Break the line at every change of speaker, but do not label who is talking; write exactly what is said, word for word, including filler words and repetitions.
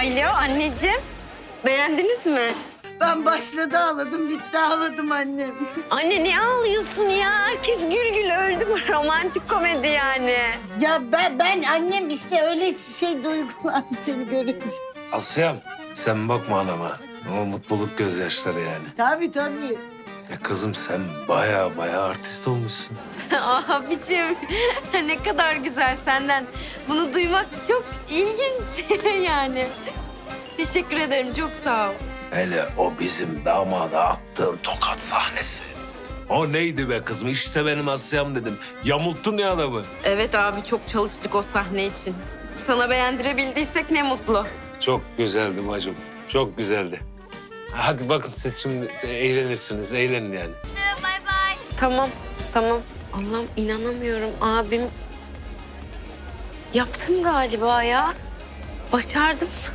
Alo anneciğim. Beğendiniz mi?
Ben başladı ağladım, bitti ağladım annem.
Anne niye ağlıyorsun ya? Herkes gül gül öldü bu romantik komedi yani.
Ya ben, ben annem işte öyle şey duygulandım seni görünce.
Asya'm sen bakma anama. O mutluluk gözyaşları yani.
Tabii tabii.
Ya kızım sen baya baya artist olmuşsun.
Abicim ne kadar güzel senden. Bunu duymak çok ilginç yani. Teşekkür ederim çok sağ ol.
Hele o bizim damada attığın tokat sahnesi. O neydi be kızım? İşte benim Asya'm dedim. Yamulttun ya adamı.
Evet abi çok çalıştık o sahne için. Sana beğendirebildiysek ne mutlu.
Çok güzeldi bacım. Çok güzeldi. Hadi bakın siz şimdi eğlenirsiniz. Eğlenin yani.
Tamam tamam. Allah'ım inanamıyorum abim. Yaptım galiba ya. Başardım.